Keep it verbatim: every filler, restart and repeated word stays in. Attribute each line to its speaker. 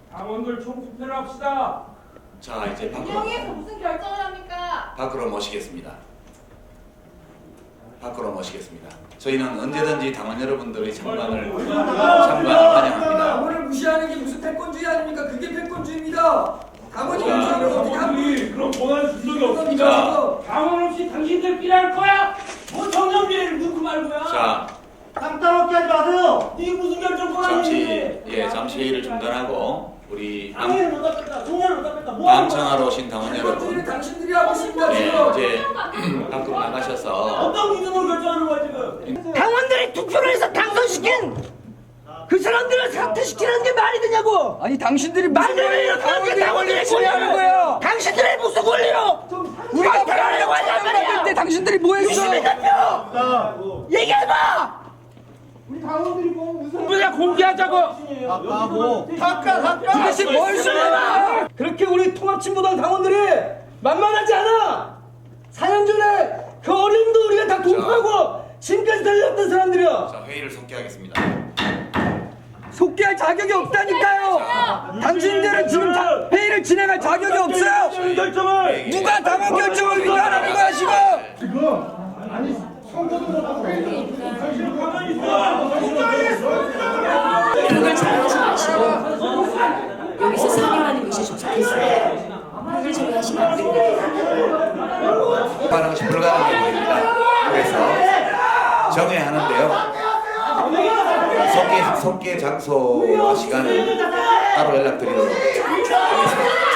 Speaker 1: 당원들 총투표를 합시다.
Speaker 2: 자, 이제 밖으로,
Speaker 3: 운영위에서 무슨 결정을 합니까?
Speaker 2: 밖으로 모시겠습니다. 밖으로 모시겠습니다. 저희는 언제든지 당원 여러분들의 참관을 참관을 환영합니다.
Speaker 4: 당원을 무시하는 게 무슨 패권주의 아닙니까? 그게 패권주의입니다. 당원이 무시하면 어떻게 합니까?
Speaker 1: 당원이 그런 권한 준 적이 없습니다. 당원 없이 당신들끼리 할 거야? 뭐 정년비를 묻고 말고야?
Speaker 2: 자,
Speaker 5: 땅 따먹게 하지 마세요.
Speaker 1: 이게 무슨 결정
Speaker 2: 잠시
Speaker 1: 권한인데?
Speaker 2: 예 잠시 회의를 중단하고 우리 당,
Speaker 5: 당연히 못 잡겠다. 종료를 못 잡겠다. 뭐 하는 거야?
Speaker 2: 방청하러 오신 당원
Speaker 4: 패권주의를
Speaker 2: 여러분,
Speaker 4: 당신들이 하고 있습니다.
Speaker 2: 예,
Speaker 4: 지금.
Speaker 2: 이제 밖으로 나가셔서
Speaker 1: 어떤 기준으로 결정하는 거야 지금?
Speaker 6: 당원들이 투표를 해서 당선시킨 그 사람들을 사퇴시키는 게 말이 되냐고!
Speaker 7: 아니 당신들이 무슨
Speaker 6: 말도 안 되는
Speaker 7: 당원들의
Speaker 6: 당원들의
Speaker 7: 권리를 취하는 거예요?
Speaker 6: 당신들의 무슨 권리로
Speaker 7: 우리가
Speaker 6: 발표를 하려고 하냔
Speaker 7: 받을 때
Speaker 6: 말이야!
Speaker 7: 당신들이 뭐 했어?
Speaker 6: 유시민 대표! 얘기해봐!
Speaker 5: 우리 당원들이 뭐 무슨
Speaker 1: 그냥 공개하자고.
Speaker 5: 아까고
Speaker 7: 도대체 뭘 쓰냐?
Speaker 5: 그렇게 우리 통합진보당 당원들이 만만하지 않아. 사 년 전에 그 어려움도 우리가 다 돌파하고 지금까지 달려왔던 사람들이야.
Speaker 2: 자, 회의를 속개하겠습니다.
Speaker 7: 속개할 자격이 없다니까요. 당신들은 지금 자, 회의를 진행할 자격이 없어요.
Speaker 1: 이 결정을
Speaker 7: 누가 당원 결정을 위반하는 거야 지금?
Speaker 1: 가만히 있어.
Speaker 8: 이런 걸 잘하지 마시고 여기서 상의하는 것이 좋겠어요. 하기 전에 하시면 안 됩니다.
Speaker 2: 하는 것이 불가능해 보입니다. 그래서 정회하는데요. 속개 속개 장소와 시간을 따로 연락드리도록 하겠습니다.